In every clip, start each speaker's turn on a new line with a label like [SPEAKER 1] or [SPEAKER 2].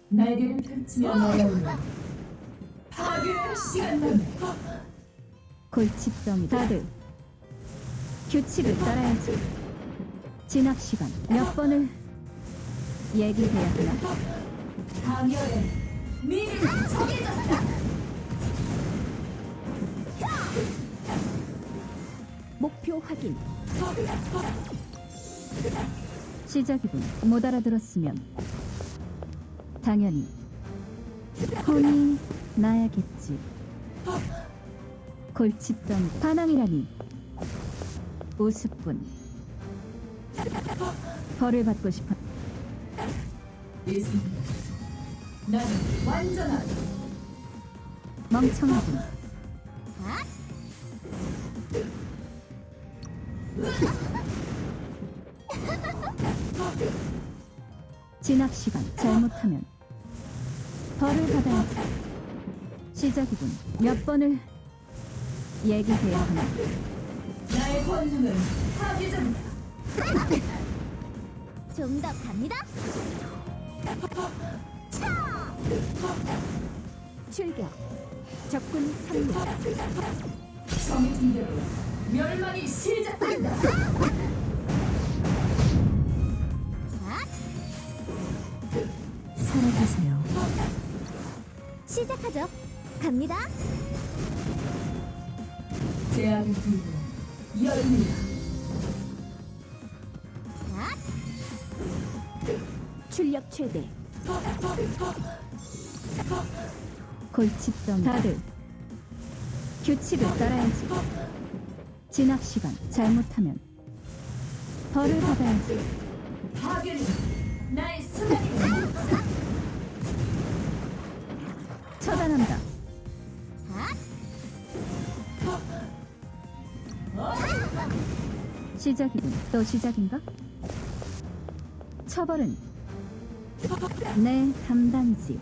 [SPEAKER 1] 날개를 펼치며 날아오는 파괴의 시간만.
[SPEAKER 2] 골칫덩이 다들 규칙을 따라야지. 진압 시간 몇 번을 얘기해야 하나?
[SPEAKER 1] 강열의 미래는 정해졌다.
[SPEAKER 2] 목표 확인. 시작이군. 못 알아들었으면 당연히 혼이 나야겠지. 골칫덩이 반항이라니. 우습군. 벌을 받고 싶어.
[SPEAKER 1] 있습니다. 나는 완전한
[SPEAKER 2] 멍청하군. 진압 시간 잘못하면 벌을 받아야지. 시작이군. 몇 번을 얘기해야 하나?
[SPEAKER 1] 나의 권능은 파괴적이다.
[SPEAKER 3] 좀 더 갑니다. 차!
[SPEAKER 2] 출격. 적군 3명.
[SPEAKER 1] 정해진 대로 멸망이 시작된다.
[SPEAKER 2] 살아계세요.
[SPEAKER 3] 시작하죠. 갑니다.
[SPEAKER 1] 제약을 들고 열립니다.
[SPEAKER 2] 출력 최대. 골칫덩이 다들 규칙을 따라야지. 진압 시간 잘못하면 벌을 받아야지.
[SPEAKER 1] 파괴는 나의 수단이다.
[SPEAKER 2] 처단한다. 시작이군. 또 시작인가? 처벌은 내 담당이지.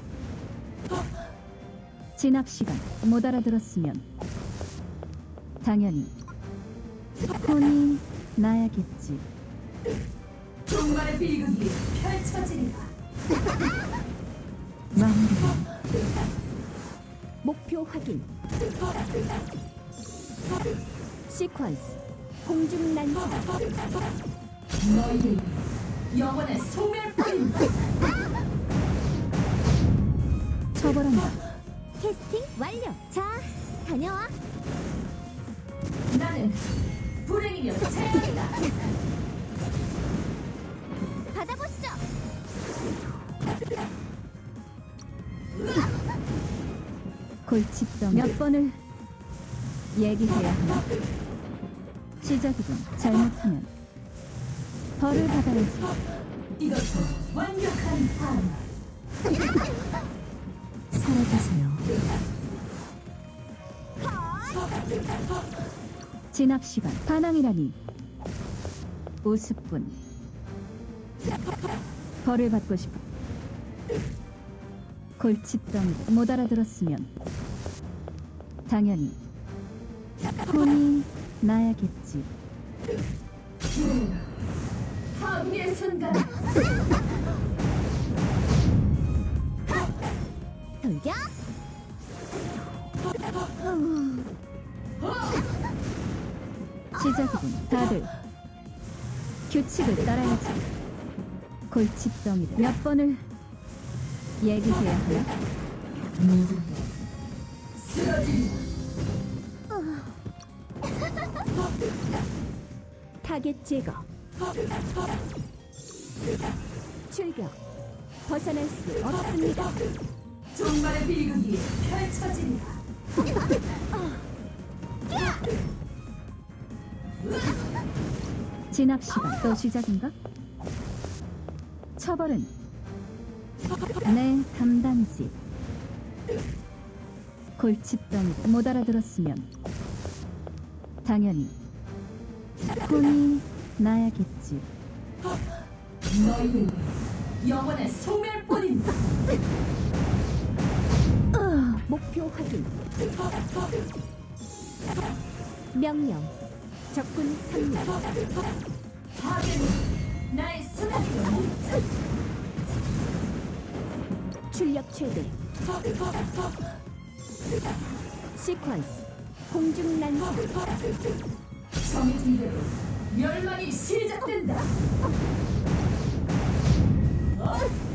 [SPEAKER 2] 진압 시간 못 알아들었으면 당연히 혼이 나야겠지.
[SPEAKER 1] 종말의 비극이 펼쳐지리라.
[SPEAKER 2] 마무리. 목표 확인. 시퀀스 공중 난사.
[SPEAKER 1] 너희는 영원의 소멸뿐이다.
[SPEAKER 2] 처벌한다.
[SPEAKER 3] 캐스팅 완료. 자, 다녀와.
[SPEAKER 1] 나는 불행이며 재앙이다.
[SPEAKER 3] 받아보시죠.
[SPEAKER 2] 골칫덩이 몇 번을 얘기해야 하나? 시작이군. 잘못하면 벌을 받아야지.
[SPEAKER 1] 이것도 완벽한 판.
[SPEAKER 2] 살아계세요. 진압 시간 반항이라니. 우습군. 벌을 받고 싶어. 골칫덩이 못 알아들었으면 당연히 혼이 나야겠지.
[SPEAKER 1] 파괴의 순간.
[SPEAKER 3] 돌격.
[SPEAKER 2] 시작이군. 다들 규칙을 따라야지. 골칫덩이를 몇 번을 얘기해야 하나?
[SPEAKER 1] 쓰러진다.
[SPEAKER 2] 타겟 제거. 출격. 벗어날 수 없습니다.
[SPEAKER 1] 종말의 비극이 펼쳐지리라.
[SPEAKER 2] 진압 시간 또 시작인가? 처벌은 내 담당이지. 골칫덩이 못 알아들었으면 당연히 혼이 나야겠지.
[SPEAKER 1] 너희는 영원의 소멸뿐이다.
[SPEAKER 2] 목표 확인. 명령. 적군 3명.
[SPEAKER 1] 파괴는 나의 수단이다.
[SPEAKER 2] 출력 최대. 시퀀스 공중 난사.
[SPEAKER 1] 정해진 대로 멸망이 시작된다.